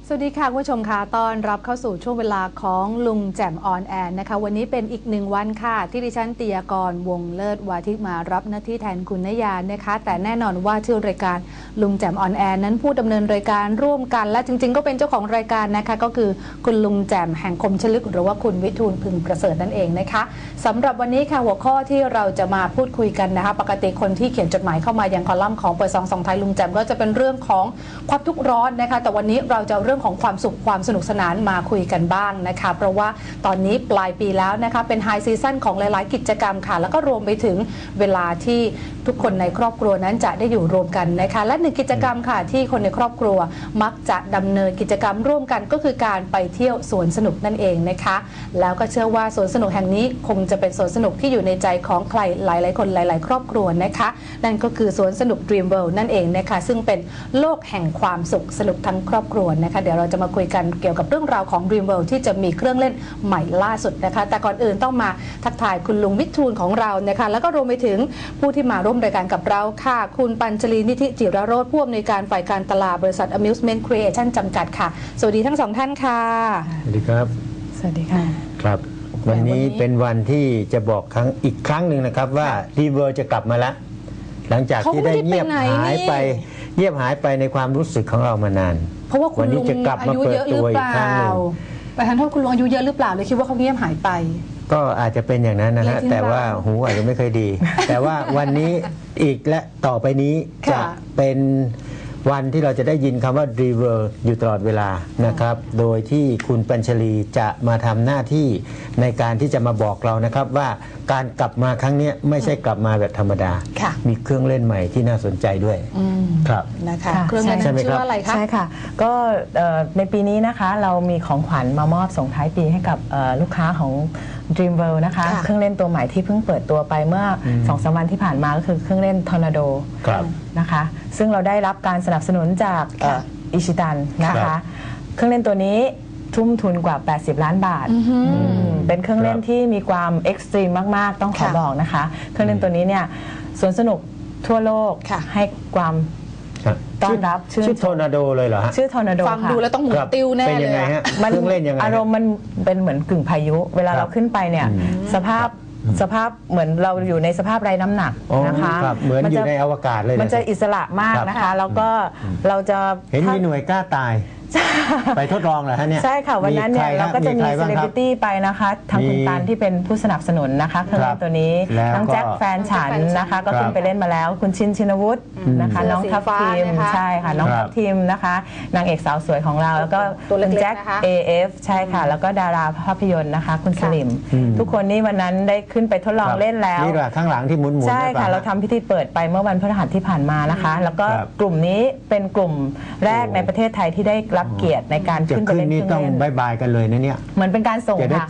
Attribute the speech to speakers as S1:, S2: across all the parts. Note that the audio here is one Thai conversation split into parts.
S1: สวัสดีค่ะคุณผู้ชมค่ะต้อนรับเข้าสู่ช่วงเวลาของลุงแจ่มออนแอนนะคะวันนี้เป็นอีกหนึ่งวันค่ะที่ดิฉันติยากรวงเลิศวาทิมารับหน้าที่แทนคุณนยานะคะแต่แน่นอนว่าชื่อรายการลุงแจ่มออนแอนนั้นผู้ดำเนินรายการร่วมกันและจริงๆก็เป็นเจ้าของรายการนะคะก็คือคุณลุงแจ่มแห่งคมชลึกหรือว่าคุณวิทูลพึงประเสริฐนั่นเองนะคะสำหรับวันนี้ค่ะหัวข้อที่เราจะมาพูดคุยกันนะคะปกติคนที่เขียนจดหมายเข้ามายังคอลัมน์ของเปิดซองไทยลุงแจ่มก็จะเป็นเรื่องของความทุกข์ร้อนนะคะแต่วันนี้เราจะเรื่องของความสุขความสนุกสนานมาคุยกันบ้างนะคะเพราะว่าตอนนี้ปลายปีแล้วนะคะเป็นไฮซีซั่นของหลายๆกิจกรรมค่ะแล้วก็รวมไปถึงเวลาที่ทุกคนในครอบครัวนั้นจะได้อยู่รวมกันนะคะและหนึ่งกิจกรรมค่ะที่คนในครอบครัวมักจะดำเนินกิจกรรมร่วมกันก็คือการไปเที่ยวสวนสนุกนั่นเองนะคะแล้วก็เชื่อว่าสวนสนุกแห่งนี้คงจะเป็นสวนสนุกที่อยู่ในใจของใครหลายๆคนหลายๆครอบครัวนะคะนั่นก็คือสวนสนุก Dream World นั่นเองนะคะซึ่งเป็นโลกแห่งความสุขสนุกทั้งครอบครัวนะคะเดี๋ยวเราจะมาคุยกันเกี่ยวกับเรื่องราวของ Dream World ที่จะมีเครื่องเล่นใหม่ล่าสุดนะคะแต่ก่อนอื่นต้องมาทักทายคุณลุงวิทูลของเรานะคะแล้วก็รวมไปถึงผู้ที่มาร่วมรายการกับเราค่ะคุณปัญจลีนิธิจิรโรจน์ผู้อำนวยการฝ่ายการตลาดบริษัท Amusement Creation จำกัดค่ะสวัสดีทั้งสองท่านค่ะ
S2: สวัสดีครับ
S1: สวัสดีค่ะ
S2: ครับวันนี้เป็นวันที่จะบอกอีกครั้งหนึ่งนะครับว่าDream Worldจะกลับมาแล้วหลังจากที่ได้เงียบหายไปในความรู้สึกของเรามานาน
S1: เพราะว่าคุณลุงอายุเยอะหรือเปล่าไปทันโทษคุณลุงอายุเยอะหรือเปล่าเลยคิดว่าเขาเงียบหายไป
S2: ก็อาจจะเป็นอย่างนั้นนะฮะแต่ว่าหูอาจจะไม่เคยดี แต่ว่าวันนี้อีกและต่อไปนี้จะเป็นวันที่เราจะได้ยินคำว่า Dream World อยู่ตลอดเวลานะครับโดยที่คุณปัญชลีจะมาทำหน้าที่ในการที่จะมาบอกเรานะครับว่าการกลับมาครั้งนี้ไม่ใช่กลับมาแบบธรรมดามีเครื่องเล่นใหม่ที่น่าสนใจด้วยครับ
S1: นะคะเครื่องเล่นชื่อว่าอะไรคะ
S3: ใช่ค่ะก็ในปีนี้นะคะเรามีของขวัญมามอบส่งท้ายปีให้กับลูกค้าของ Dream World นะคะเครื่องเล่นตัวใหม่ที่เพิ่งเปิดตัวไปเมื่อ 2-3 วันที่ผ่านมาก็คือเครื่องเล่นทอร์นาโดนะคะซึ่งเราได้รับการสนับสนุนจากอิชิตันนะคะเครื่องเล่นตัวนี้ทุ่มทุนกว่า80ล้านบาทเป็นเครื่องเล่นที่มีความเอ็กซ์ตรีมมากๆต้องขอบอกนะคะเครื่องเล่นตัวนี้เนี่ยสวนสนุกทั่วโลกให้ความต้อนรับ
S2: ชื่อทอร์นาโดเลยเหรอฮะ
S3: ชื่อทอร์นาโด
S1: ฟังดูแล้วต้องหมุนติ้วแน่เลย
S2: เครื่องเล่นยังไง
S3: อารมณ์มันเป็นเหมือนกึ่งพายุเวลาเราขึ้นไปเนี่ยสภาพเหมือนเราอยู่ในสภาพไร้น้ำหนักนะคะ
S2: เหมือนอยู่ในอวกาศเลย
S3: มันจะอิสระมากนะคะแล้วก็เราจะ
S2: เห็นมีหน่วยกล้าตายไปทดลองเหรอฮะเนี่ย
S3: ใช่ค่ะวันนั้นเนี่ยเราก็จะมีเซเลบริตี้ไปนะคะทางคุณตันที่เป็นผู้สนับสนุนนะคะเครื่องเล่นตัวนี้น้องแจ็คแฟนฉันนะคะก็ขึ้นไปเล่นมาแล้วคุณชินวุฒินะคะน้องทัพทีมใช่ค่ะน้องทัพทีมนะคะนางเอกสาวสวยของเราแล้วก็คุณแจ็ค AF ใช่ค่ะแล้วก็ดาราภาพยนตร์นะคะคุณสลิมทุกคนนี่วันนั้นได้ขึ้นไปทดลองเล่นแล้ว
S2: นี่แหละข้างหลังที่หมุน
S3: ใช่ค่ะเราทำพิธีเปิดไปเมื่อวันพฤหัสที่ผ่านมานะคะแล้วก็กลุ่มนี้เป็นกลุ่มแรกในประเทศไทยที่ได้รับเกียรติในการขึ้นไปเล่น
S2: นี่ต้องบายบายกันเลยนะเนี่ย
S3: เหมือนเป็นการส่งค่ะ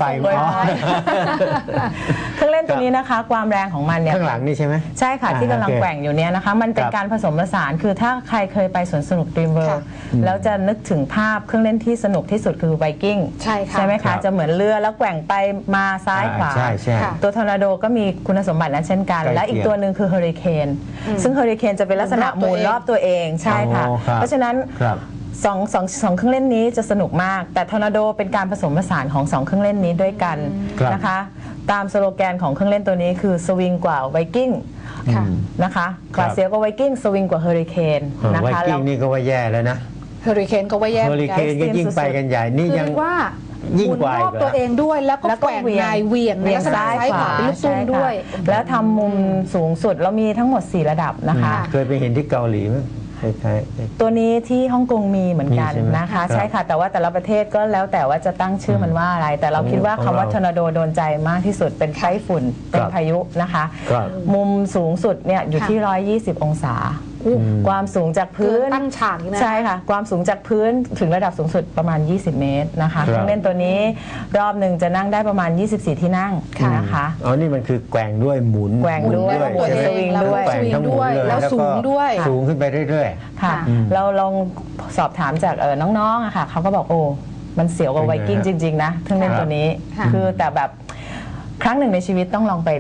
S3: เครื่องเล่นตัวนี้นะคะความแรงของมันเนี่ย
S2: ข้างหลังนี่ใช่ไหม
S3: ใช่ค่ะที่กำลังแกว่งอยู่เนี่ยนะคะมันเป็นการผสมผสานคือถ้าใครเคยไปสวนสนุก Dream World แล้วจะนึกถึงภาพเครื่องเล่นที่สนุกที่สุดคือไวกิ้งใช่ไหมคะจะเหมือนเรือแล้วแกว่งไปมาซ้ายขวาตัวทอร์นาโดก็มีคุณสมบัตินั้นเช่นกันและอีกตัวหนึ่งคือเฮอริเคนซึ่งเฮอริเคนจะเป็นลักษณะหมุนรอบตัวเองใช่ค่ะเพราะฉะนั้นสองเครื่องเล่นนี้จะสนุกมากแต่ทอร์นาโดเป็นการผสมผสานของ2เครื่องเล่นนี้ด้วยกันนะคะตามสโลแกนของเครื่องเล่นตัวนี้คือสวิงกว่าไวกิ้งนะคะกว่าเสียวกว่าไวกิ้งสวิงกว่าเฮอริเคนนะคะ
S2: ไวกิ้งนี่ก็ว่าแย่แล้วนะ
S1: เฮอริเคนก็ว่าแย่
S2: เฮอริเคนก็ยิ่งไปกันใหญ่นี่ยัง
S1: ว่า
S2: ยิ่งกว่า
S1: หมุนรอบตัวเองด้วยแล้วก็แกว่งนายเวียงซ้ายขวาเป็นลูกตุ้มด้วย
S3: แล้วทำมุมสูงสุดแล้วมีทั้งหมด4ระดับนะคะ
S2: เคยไปเห็นที่เกาหลีไหม
S3: ตัวนี้ที่ฮ่องกงมีเหมือนกันนะคะใช่ค่ะแต่ว่าแต่ละประเทศก็แล้วแต่ว่าจะตั้งชื่อมันว่าอะไรแต่เราคิดว่าคำว่าทอร์นาโดโดนใจมากที่สุดเป็นไต้ฝุ่นเป็นพายุนะคะมุมสูงสุดเนี่ยอยู่ที่120องศาความสูงจากพื้น
S1: ตั้งฉาก
S3: ใช่ค่ะความสูงจากพื้นถึงระดับสูงสุดประมาณ20เมตรนะคะเครื่องเล่นตัวนี้รอบหนึ่งจะนั่งได้ประมาณ24ที่นั่งนะคะ
S2: อ๋อนี่มันคือแกว่งด้วยหมุน
S3: แกว่งด้วยสวิงด้วย
S2: แกว่งทั้งหมุนเลย
S1: แล้วสูงด้วย
S2: สูงขึ้นไปเรื่อย
S3: ๆค่ะเราลองสอบถามจากน้องๆอะค่ะเขาก็บอกโอ้มันเสียวกว่าไวกิ้งจริงๆนะเครื่องเล่นตัวนี้คือแต่แบบครั้งหนึ่งในชีวิตต้องลองไป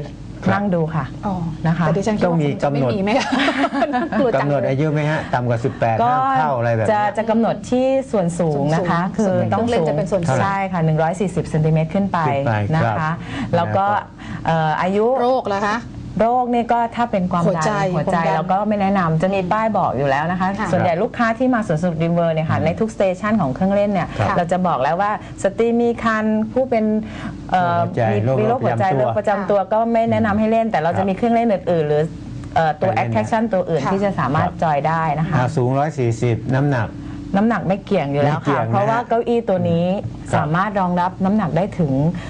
S3: นั่งดูค่ะ
S1: อ๋อ
S3: นะคะ
S1: แต่ดิฉันคิด
S2: ต้อง
S1: ว่า
S2: มี
S1: คงจะไม่
S2: กำหนด
S1: มีไหมคะกลัวจัง
S2: กำหนด
S1: เลย
S2: อายุไหมฮะต่ำกว่า 18
S3: ก็
S2: ห้ามเข้าอะไรแบบ
S3: จะ
S2: นี้
S3: จะกำหนดที่ส่วนสูงนะคะ
S1: ส่วนสูง
S3: คือต้อง
S1: เครื่องเล่น
S3: สูง
S1: จะเป็นส่วนสูง
S3: ใช่ค่ะ140เซนติเมตรขึ้นไป
S2: ขึ้นไป
S3: นะ
S2: ครั
S3: คะ
S2: บ
S3: แล้วก็อายุ
S1: โรคแล้วคะ
S3: โรคนี่ก็ถ้าเป็นความ
S1: หัว
S3: ดั
S1: ใจ
S3: นหัวใจ
S1: ความดัน
S3: เราก็ไม่แนะนำจะมีป้ายบอกอยู่แล้วนะคะ
S1: ค่ะ
S3: ส่วนใหญ่ลูกค้าที่มาสวนสนุกดรีมเวิร์เนี่ยค่ะในทุกสเตชันของเครื่องเล่นเนี่ย
S2: ครับ
S3: เราจะบอกแล้วว่าสตรีมีคันผู้เป็นมีโรคหัวใจโรคประจำตัวก็ไม่แนะนำให้เล่น แต่เราจะมีเครื่องเล่นอื่นๆ หรือตัว
S2: ไปเล่น
S3: attraction ตัวอื่น
S1: ค่ะ
S3: ที่จะสามารถจอยได้นะคะ
S2: สูง 140 น้ำหนัก
S3: น้ำหนักไม่เกี่ยงอยู่แล้ว
S2: ไม่เกี่ย
S3: ค่ะ
S2: งนะ
S3: เพราะว่าเก้าอี้ตัวนี้
S2: ครับ
S3: สามารถรองรับน้ำหนักได้ถึง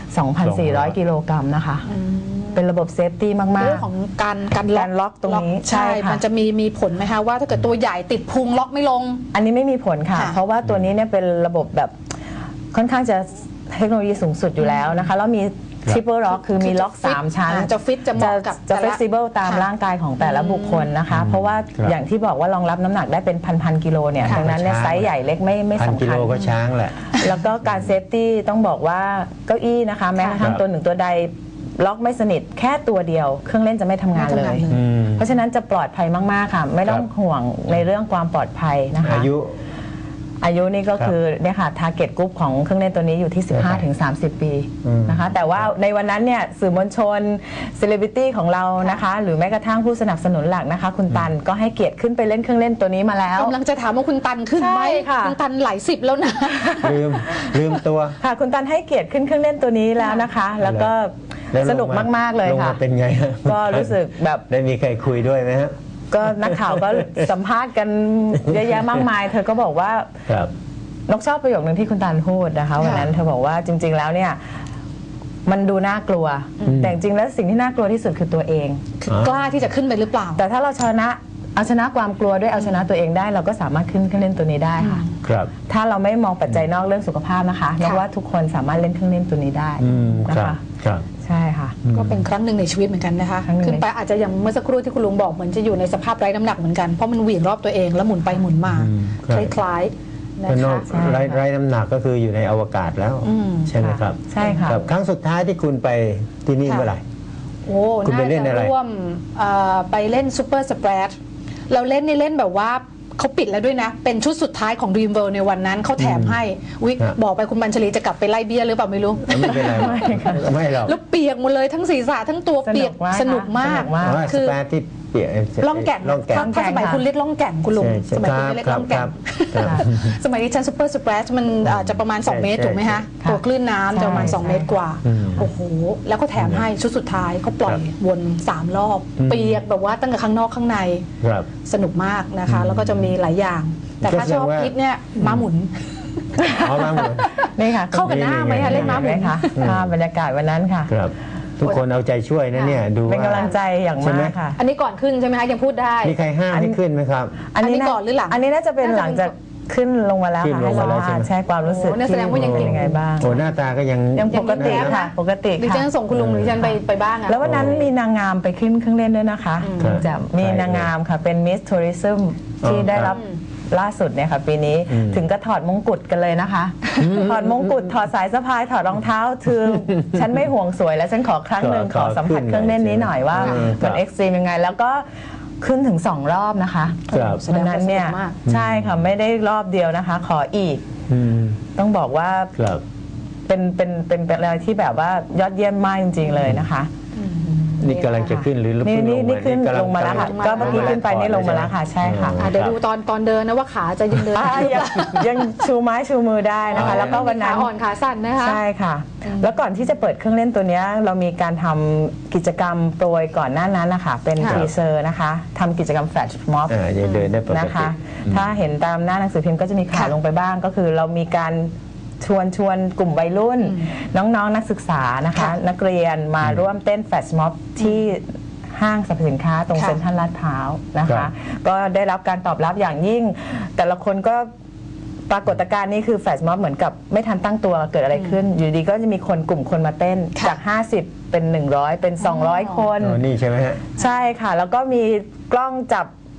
S3: 2,400 กิโลกรัมนะคะ เป็นระบบเซฟตี้มาก
S1: เรื่องของการ
S3: ล็อกตรงนี้
S1: ใช่
S3: ใช่ค่ะ
S1: มันจะมีผลไหมคะว่าถ้าเกิดตัวใหญ่ติดพุงล็อกไม่ลง
S3: อันนี้ไม่มีผลค่ะ
S1: ค่ะ
S3: เพราะว่าตัวนี้เนี่ยเป็นระบบแบบค่อนข้างจะเทคโนโลยีสูงสุดอยู่แล้วนะคะ แล้วมี triple lock คือมีล็อก
S1: จะฟิต
S3: 3 ชั้น
S1: จะฟิตจะเหมาะกับ
S3: จะ
S1: แต่ละ
S3: flexible ตาม
S1: ค่ะ
S3: ร่างกายของแต่ละบุคคลนะคะ เพราะว่า
S2: ครับ
S3: อย่างที่บอกว่ารองรับน้ำหนักได้เป็นพันกิโลเนี่ย
S1: ค่ะ
S3: ดังนั้นเนี่ย
S2: ช้าง
S3: ไซส์ใหญ่เล็กไม่
S2: 1,000
S3: สำ
S2: กิ
S3: คั
S2: โล
S3: ญ
S2: ก็ช้างแหละ
S3: แล้วก็การเซฟตี้ต้องบอกว่าเก้าอี้นะคะ แม้กระทั่ง
S2: ครับ
S3: ตัวหนึ่งตัวใดล็อกไม่สนิทแค่ตัวเดียว เครื่องเล่นจะไม่ทำงาน
S1: ไม่
S3: เล
S1: ทำงาน
S3: ย
S1: เลย
S2: อืม
S3: เพราะฉะนั้นจะปลอดภัยมาก ๆ ค่ะ ไม่ต้อง
S2: ครับ
S3: ห่วงในเรื่องความปลอดภัยนะคะ
S2: อายุ
S3: นี่ก็คือเนี่ยค่ะ target group ของเครื่องเล่นตัวนี้อยู่ที่ 15-30 ปีนะคะ แต่ว่าในวันนั้นเนี่ยสื่อมวลชนเซเลบริตี้ของเรานะคะ หรือแม้กระทั่งผู้สนับสนุนหลักนะคะ คุณตันก็ให้เกียรติขึ้นไปเล่นเครื่องเล่นตัวนี้มาแล้ว
S1: กำลังจะถามว่าคุณตันขึ้นไหม
S3: ใช่ค่ะ
S1: คุณตันหลายสิบแล้วนะ
S2: ลืมตัว
S3: ค่ะ คุณตันให้เกียรติขึ้นเครื่องเล่นตัวนี้แล้วนะคะ แล้วก็
S2: แล้วลง
S3: สนุกมาก ๆ เลย
S2: ลง
S3: ค่ะ
S2: มาเป็นไงฮะ
S3: ก็รู้สึกแบบ
S2: ได้มีใครคุยด้วยไหมฮะ
S3: ก็นักข่าวก็สัมภาษณ์กันเยอะแยะมากมาย เธอก็บอกว่า
S2: ครับ
S3: นกชอบประโยคนึงที่คุณตันพูดนะคะวันนั้นเธอบอกว่าจริง ๆ แล้วเนี่ยมันดูน่ากลัว แต่จริงๆแล้วสิ่งที่น่ากลัวที่สุดคือตัวเอง
S1: คือกล้าที่จะขึ้นไปหรือเปล่า
S3: แต่ถ้าเราเอาชนะความกลัวด้วยเอาชนะตัวเองได้ เราก็สามารถขึ้นเครื่องเล่นตัวนี้ได้ค่ะ
S2: ครับ
S3: ถ้าเราไม่มองปัจจัยนอกเรื่องสุขภาพนะคะนกว่าทุกคนสามารถเล่นเครื่องเล่นตัวนี้ได้
S2: ค
S3: นะ
S2: รับ
S3: คะ
S2: ครับ
S3: ใช่ค่ะ
S1: ก็เป็นครั้งหนึ่งในชีวิตเหมือนกันนะคะ
S3: ครั้งหนึ่ง
S1: ขึ้นไปอาจจะอย่างเมื่อสักครู่ที่คุณลุงบอกเหมือนจะอยู่ในสภาพไร้น้ำหนักเหมือนกันเพราะมันเหวี่ยงรอบตัวเองแล้วหมุนไปหมุนมา
S2: ครับ
S1: คล้ายๆนะ
S2: ก็นอ
S1: คะ
S2: ก
S3: ใช่ค่ะ
S2: ไร้น้ำหนักก็คืออยู่ในอวกาศแล้ว ใช่ไหมครับ
S3: ใช่ค่ะ
S2: รับครั้งสุดท้ายที่คุณไปที่นี่
S1: ค่ะ
S2: เมื่อไหร่
S1: โอ้
S2: คุณไป
S1: น่า
S2: เล่น
S1: จะ
S2: อะไร
S1: ร่วมไปเล่นซูเปอร์สเปรดเราเล่นนี่เล่นแบบว่าเขาปิดแล้วด้วยนะ เป็นชุดสุดท้ายของ Dream World ในวันนั้นเขาแถมให้วิ
S2: ฮะ
S1: บอกไปคุณบัญชลีจะกลับไปไล่เบี้ยหรือเปล่าไม่รู้
S2: ไม่เป็นไรไม่หรอก
S1: แล้วเปียกหมดเลยทั้งศีรษะทั้งตัวเปียกสนุกมาก
S3: สนุกมาก
S2: อ๋อส
S1: คือ
S2: แปรที่เปียก
S1: ล่องแก่ง
S2: ล่องแก่ง
S1: ถ้าสมัยคุณเรียกล่องแก่งคุณลุง
S2: ใช่
S1: สมัยคุณเรียกล่องแก่ง
S2: ครับ
S1: สมัยนี้ชั้นซูเปอร์สเปรดมันจะประมาณ
S2: ใช่
S1: 2 เมตร
S2: ใช่
S1: ถูกไหมฮะ
S3: ค่ะ
S1: ตัวคลื่นน้ำจะประมาณ
S3: ใช่
S1: 2 เมตรกว่า
S2: อืม
S1: โอ้โห แล้วก็แถมให้ชุดสุดท้ายเขาปล่อย
S2: ครับ
S1: วน 3 รอบ เปียกแบบว่าตั้งแต่ข้างนอกข้างใน
S2: ครับ
S1: สนุกมากนะคะ แล้วก็จะมีหลายอย่าง แต่ถ้า
S2: ก็แสดง
S1: ชอบ
S2: ว่า
S1: คิดเนี่ยม้าหมุน
S2: เอามาหมด
S3: นี่ค่ะ
S1: เข้ากับหน้าไหมคะเล่นม้าหมุน
S3: ค่ะบรรยากาศวันนั้นค่ะ
S2: ครับ ทุกคนเอาใจช่วยนะเนี่ยดู
S3: เป็น
S2: ว่าก
S3: ำลังใจอย่าง
S2: ใช่ไหม
S3: มากค่ะ
S1: อันนี้ก่อนขึ้นใช่ไหมคะยังพูดได้
S2: มีใครห้ามให้ขึ้นไหมครับ
S1: อันนี้ก่อนหรือหลัง
S3: อันนี้น่าจะเป็นหลังจากขึ้นลงมาแล้ว
S2: ขึ้น
S3: ค่ะ
S2: ลงมาแล้วใช่ไหม
S3: ใช่ความรู้สึก
S1: โอ้นั่นแสดงว่ายัง
S3: เป็นยังไงบ้าง
S2: โอ้หน้าตาก็ยัง
S3: ยังปกติ
S1: ยัง
S3: ค่ะ ปกติ
S1: ดิฉั
S3: ค่ะ
S1: นส่งคุณลุงหรือดิฉันไปบ้างอะ
S3: แล้ววันนั้นมีนางงามไปขึ้นเครื่องเล่นด้วยนะคะ
S2: ครับ
S3: จะมีนางงามค่ะเป็นมิสทัวริซึมที่ได้รับล่าสุดเนี่ยค่ะปีนี้ถึงก็ถอดมงกุฎกันเลยนะคะ ถอดมงกุฎถอดสายสะพายถอดรองเท้าคือฉันไม่ห่วงสวยแล้วฉันขอครั้งหนึ่งขอสัมผัสเครื่องเล่นนี้หน่อยว่ามันเอ็กซ์ตรีมยังไง แล้วก็ขึ้นถึง2 รอบนะคะ
S2: ครับ
S3: วันนั้นเนี่ย
S1: แสดงว่าสนุกมาก
S3: ใช่ค่ะไม่ได้รอบเดียวนะคะ ขออีก
S2: อืม
S3: ต้องบอกว่า
S2: ครับ
S3: เป็นอะไรที่แบบว่ายอดเยี่ยมมากจริง ๆ เลยนะคะ
S2: นี่กำลังจะขึ้นหรือ
S3: นี่
S2: เพิ่ง
S3: นี่ขึ้น
S2: กำ
S3: ลงมาแล้วค่ะ ก็เมื่อกี้ขึ้นไปนี่ลงมาแล้วค่ะ ใช่ค่ะ
S1: เดี๋ยวดูตอนเดินนะว่าขาจะยังเดิน
S3: ยังชูไม้ชูมือได้นะคะ แล้วก็วันนั้น
S1: ขาอ่อนขาสั่นนะคะ
S3: ใช่ค่ะ แล้วก่อนที่จะเปิดเครื่องเล่นตัวเนี้ยเรามีการทำกิจกรรมโปรยก่อนหน้านั้นนะคะเป็น
S1: ค่ะ
S3: ทีเซอร์นะคะทำกิจกรรมแฟลชม็อบ
S2: ยังเดินได้ปก
S3: นะ
S2: ติ
S3: คะ ถ้าเห็นตามหน้าหนังสือพิมพ์ก็จะมีข่าว
S1: ค่ะ
S3: ลงไปบ้าง ก็คือเรามีการชวนกลุ่มวัยรุ่น น้องๆนักศึกษานะคะ
S1: ค่ะ
S3: นักเรียนมาร่วมเต้นแฟลชม็อบที่ห้างสรรพสินค้าตรง
S1: ค่ะ
S3: เซ็นทรัลลาดพร้าวนะ
S2: ครั
S3: คะ
S2: บ
S3: ก็ได้รับการตอบรับอย่างยิ่ง แต่ละคนก็ปรากฏการณ์นี้คือแฟลชม็อบเหมือนกับไม่ทันตั้งตัวเกิดอะไรขึ้น อยู่ดีก็จะมีกลุ่มคนมาเต้น
S1: ค่ะ
S3: จาก 50 เป็น 100 เป็น 200 คน
S2: อ๋อนี่ใช่ไหมฮะ
S3: ใช่ค่ะ แล้วก็มีกล้องจับ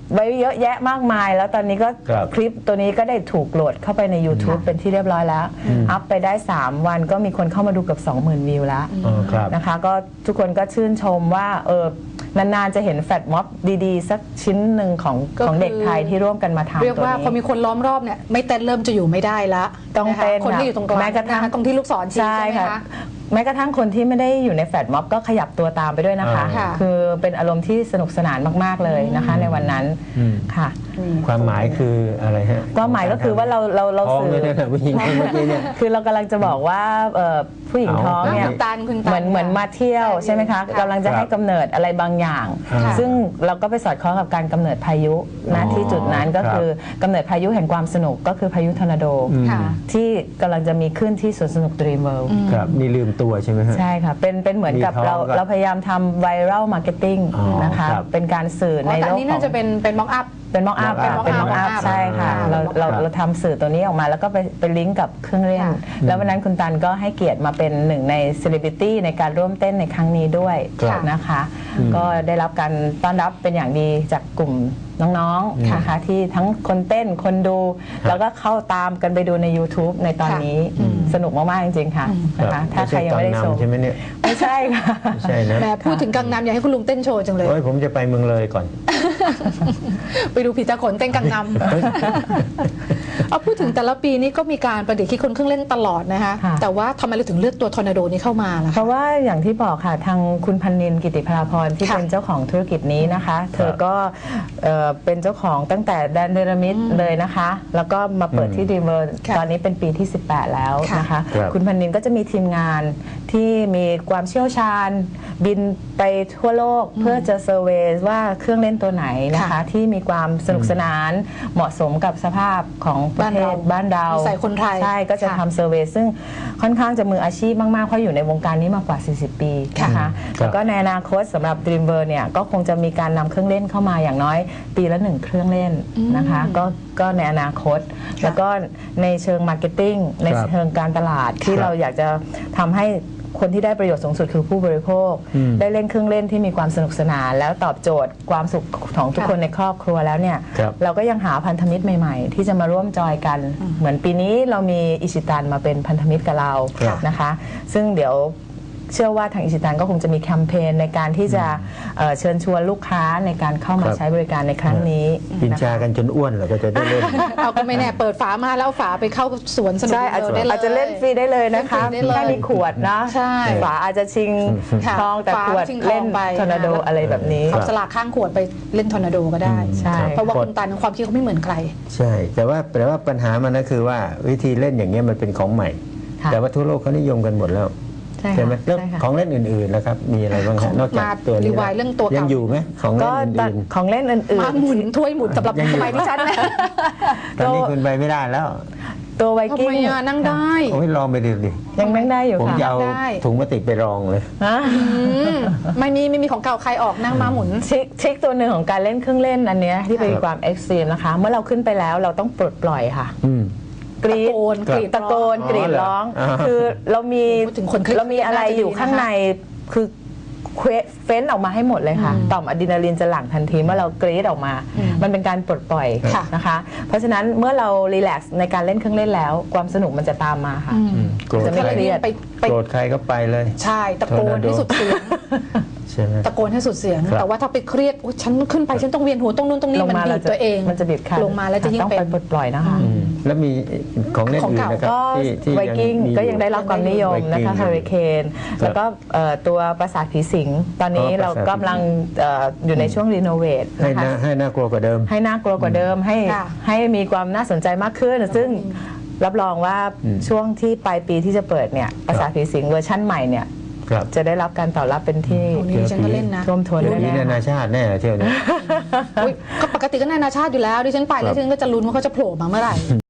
S3: ไว้เยอะแยะมากมาย แล้วตอนนี้ก็
S2: ครับ
S3: คลิปตัวนี้ก็ได้ถูกโหลดเข้าไปใน YouTube เป็นที่เรียบร้อยแล้ว อัพไปได้ 3 วันก็มีคนเข้ามาดูเกับ 20,000 วิวแล้ว
S2: อ๋อครับ
S3: นะคะก็ทุกคนก็ชื่นชมว่านานๆจะเห็นแฟลชม็อบดีๆ สักชิ้นหนึ่งของ
S1: ก็คือ
S3: ของเด็กไทยที่ร่วมกันมาทำ
S1: เรียก
S3: ตัว
S1: ว่าพอมี
S3: นี้
S1: คนล้อมรอบเนี่ยไม่เต้นเริ่มจะอยู่ไม่ได้ละ
S3: ต้องเต้น
S1: นะคะคนที่อยู่ตรงกลาง
S3: แม้กระทั่ง
S1: นคตรงที่ลูกศรชี้
S3: ใช่
S1: ใช่ไหม
S3: ค่ะ
S1: คะ
S3: แม้กระทั่งคนที่ไม่ได้อยู่ในแฟลชม็อบก็ขยับตัวตามไปด้วยนะคะ
S1: ค่ะ
S3: คือเป็นอารมณ์ที่สนุกสนานมากๆเลยนะคะ ในวันนั้น
S2: อืม
S3: ค่ะ
S2: ความหมายคืออะไรฮะ
S3: ก็หมายก็คือว่าเรา
S2: ท้อง
S3: สื่
S2: เลย
S3: อ
S2: นะผู้หญิงคนเมื่อกี้เนี่ย
S3: คือเรากำลังจะบอกว่าผู้หญิงท้องเนี่ย
S1: คุณตัน
S3: เหมือนมาเที่ยวใช่ไหมคะกำลังจะให้กำเนิดอะไรบางอย่าง
S2: ค่ะ
S3: ซึ่งเราก็ไปสอดคล้องกับการกำเนิดพายุนะ
S2: อ๋อ
S3: ที่จุดนั้นก็
S2: ครับ
S3: คือกำเนิดพายุแห่งความสนุกก็คือพายุทอร์นาโด
S1: ค่ะ
S3: ที่กำลังจะมีขึ้นที่สวนสนุก Dream World
S2: ครับนี่ลืมตัวใช่ไหมฮะ
S3: ใช่ค่ะ เป็นเหมือนกับ
S2: มีท้องก็
S3: เราพยายามทำไวรัลมาร์เก็ตติ้ง
S2: อ๋อ
S3: นะคะ
S2: ครับ
S3: เป็นการสื่อ
S1: อ๋
S3: ใน
S1: อแต่
S3: โล
S1: อั
S3: ก
S1: นนี้
S3: ขอ
S1: น่าง จะเป็นม็อกอัพ
S3: เป็นม็อกอัพ
S2: mock up
S3: เป็นม็อกอัพ
S1: mock up
S3: ใช่ค่ะ เราทำสื่อตัวนี้ออกมาแล้วก็ไปลิงก์กับเครื่องเล่น
S1: ค่ะ
S3: แล้ววันนั้นคุณตันก็ให้เกียรติมาเป็นหนึ่งในเซเลบริตี้ในการร่วมเต้นในครั้งนี้ด้วย
S2: ครับ
S3: นะคะ ก็ได้รับการต้อนรับเป็นอย่างดีจากกลุ่มน้องๆนะคะที่ทั้งคนเต้นคนดู แล้วก็เข้าตามกันไปดูใน YouTube ในตอนนี้สนุกมากๆจริงๆค่ะนะคะ ถ้าใครยังไม่ได้ชม
S2: ใช่ไหมเนี่ย
S3: ไม่ใช่ค่ะ
S2: ไม่ใช่นะ
S1: แหมพูดถึงกังนำอยากให้คุณลุงเต้นโชว์จังเลย
S2: โอ้ยผมจะไปเมืองเลยก่อน
S1: ไปดูผีตาขนเต้นกังนำ เอาพูดถึงแต่ละปีนี้ก็มีการประดิษฐ์คิดค้นเครื่องเล่นตลอดนะคะ
S3: ค่ะ
S1: แต่ว่าทำไมเราถึงเลือกตัวทอร์นาโดนี้เข้ามาล่ะ
S3: เพ
S1: คะ
S3: ราะว่าอย่างที่บอกค่ะทางคุณพันนินกิติพราพรที่
S1: ค่ะ
S3: เป็นเจ้าของธุรกิจนี้นะคะ เธอก็เป็นเจ้าของตั้งแต่แดนเดรมิดเลยนะคะ แล้วก็มาเปิดที่ดีเวอร์
S1: ค่ะ
S3: ตอนนี้เป็นปีที่ 18 แล้วนะคะ
S2: ครับ
S3: คุณพันนินก็จะมีทีมงานที่มีความเชี่ยวชาญ บินไปทั่วโลกเพื่อจะเซอร์เวย์ว่าเครื่องเล่นตัวไหนนะคะ
S1: ค่ะ
S3: ที่มีความสนุกสนานเหมาะสมกับสภาพของประเทศบ้านเรา
S1: นิสัยคนไทย
S3: ใช่ก็จะ
S1: ค่ะ
S3: ทำเซอร์เวย์ซึ่งค่อนข้างจะมืออาชีพมากๆเพราะอยู่ในวงการนี้มากกว่า 40 ปีนะคะ แล้วก็ในอนาคตสำหรับ Dreamworld เนี่ยก็คงจะมีการนำเครื่องเล่นเข้ามาอย่างน้อยปีละ1เครื่องเล่นนะคะก็ในอนาคต แล้วก็ในเชิงมาร์เก็ตติ้งในเชิงการตลาดที่
S2: ครับ
S3: เราอยากจะทำให้คนที่ได้ประโยชน์สูงสุดคือผู้บริโภค ได้เล่นเครื่องเล่นที่มีความสนุกสนาน แล้วตอบโจทย์ความสุขของทุกคนในครอบครัวแล้วเนี่ย
S2: ครับ
S3: เราก็ยังหาพันธมิตรใหม่ๆ ที่จะมาร่วมจอยกัน เหมือนปีนี้เรามีอิชิตันมาเป็นพันธมิตรกับเรา
S2: ครับ
S3: นะคะ ซึ่งเดี๋ยวเชื่อว่าทางอิชิตันก็คงจะมีแคมเปญในการที่จะเชิญชวนลูกค้าในการเข้ามา
S2: ครับ
S3: ใช้บริการในครั้งนี้
S2: กิน
S3: นะคะ
S2: ชากันจนอ้วนเหรอก็จะได้เล่น
S1: เอาก็ไม่แน่เปิดฝามาแล้วเอาฝาไปเข้าสวนสนุก
S3: ใช่อาจจะ
S1: ได้เลย
S3: อาจจะเล่นฟรีได้เลยนะคะ
S1: เล่นฟรีได้เลย
S3: แค่มีขวดนะ
S1: ใช่
S3: ฝาอาจจะชิง
S1: ค่ะ
S3: ทองแต่
S1: ฝา
S3: ขวด
S1: ชิงทอง
S3: เล่น
S1: ไป
S3: ทอร์นาโด
S1: นะ
S3: อะไรแบบนี้
S1: เอาสลากข้างขวดไปเล่นทอร์นาโดก็ได้
S3: ใช่
S1: เพราะว่าคุณตันความคิดเขาไม่เหมือนใคร
S2: ใช่ แต่ว่าปัญหามันก็คือว่าวิธีเล่นอย่างเงี้ยมันเป็นของใหม่
S3: ค่ะ
S2: แต่ว่าทั่วโลกเขานิยมกันหมดแล้ว
S3: ใช่
S2: ใช่ไหม
S3: ค่ะ
S2: แล้ว
S3: ใช่ค่ะ
S2: ของเล่นอื่นๆนะครับมีอะไรบ้าง
S1: ข
S2: ฮะ
S1: อง
S2: นอกจาก
S1: มา
S2: ตัวนี้
S1: รีไวล์เรื่องตัวเก่ายั
S2: ยังอยู่ไหมของเล่
S3: ก็
S2: นอื่น
S3: ของเล่นอื่น
S1: มาหมุนถ้วยหมุนสำหรับ
S2: ยังอยู่
S1: สมัยที่ฉันนะ
S2: ๆตอนนี้คุณไปไม่ได้แล้ว
S3: ๆ ตัวไว
S1: ทำ
S3: กิ้
S1: ไม
S3: ง
S1: อ่ะนั่งได้
S2: โอ้ยลองไปดูดิ
S3: ยังนั่งได้อยู่
S2: ผม
S3: ค่ะ
S2: จะเอา
S1: ได้
S2: ถุงพลาสติกไปรองเลย
S3: ฮะ
S1: ไม่มีของเก่าใครออกนั่งมาหมุน
S3: ทริคตัวหนึ่งของการเล่นเครื่องเล่นอันเนี้ยที่เป็นความเอ็กซ์ตรีมนะคะ เมื่อเราขึ้นไปแล้วเราต้องปลดปล่อยค่ะ
S2: อืม
S3: กรีด
S1: ตะโกนกรีด
S3: ตะโกน
S2: ร้อง
S3: กรีดร้อง
S2: อ๋อเหรอ
S3: คือเรามี
S1: พูดถึงคนเครียด
S3: เรามีอะไรอยู่ข้างในคือเฟ้นออกมาให้หมดเลยค่ะ ต่อมอะดรีนาลีนจะหลั่งทันทีเมื่อเรากรีดออกมา มันเป็นการปลดปล่อย
S1: ค่ะ
S3: นะคะ เพราะฉะนั้นเมื่อเรารีแลกซ์ในการเล่นเครื่องเล่นแล้ว ความสนุกมันจะตามมาค่ะ
S2: โกรธ
S3: จะไม่
S2: ใคร
S3: เครียด
S1: ไป
S2: โกรธใครก็ไปเลย
S1: ใช่ตะโกนให้สุดเสียง
S2: ใช่ไหม
S1: ตะโกนให้สุดเสียง
S2: ครับ
S1: แต่ว่าถ้าไปเครียดโอ๊ยฉันขึ้นไปฉันต้องเวียนหัวตรงนู้นตรงนี้มันบีบตัวเอง
S3: มันจะบีบคั้น
S1: ลงมาแล้วจะยิ่ง
S3: ต้อง
S1: เป็
S3: ไป
S1: น
S3: ปลดปล่อยนะคะ
S2: แล้วมีของเล่น
S1: ของ
S2: อื่น
S1: เก่า
S2: นะครับ
S3: ก็
S2: ที่
S3: ไวกิ้ง
S2: มี
S3: ก็ยังได้รับความนิยมนะคะ
S2: Viking
S3: เฮอริเคนแล้วก็ตัวปราสาทผีสิงตอนนี้
S2: อ๋อ
S3: เรากำลังอยู่ในช่วงรีโนเวท
S2: ให้
S3: นะคะ
S2: ให้น่ากลัวกว่าเดิม
S3: ให้น่ากลัวกว่าเดิมให้
S1: ค่ะ
S3: ให้มีความน่าสนใจมากขึ้น ซึ่งรับรองว่าช่วงที่ปลายปีที่จะเปิดเนี่ยปราสาทผีสิงเวอร์ชั่นใหม่เนี่ย
S2: ครับ
S3: จะได้รับการตอบรับเป็นที่
S1: โอ้นี่ฉันก็เล่นนะ
S3: ท่วมท้น
S2: เดี๋ยวนี้
S3: แน่
S2: นานาชาติแน่เที่ยวนี้
S1: อุ๊ยก็ปกติก็นานาชาติอยู่แล้วดิฉันไปแล้วดิฉันก็จะลุ้นว่าเขาจะโผล่มาเมื่อไหร่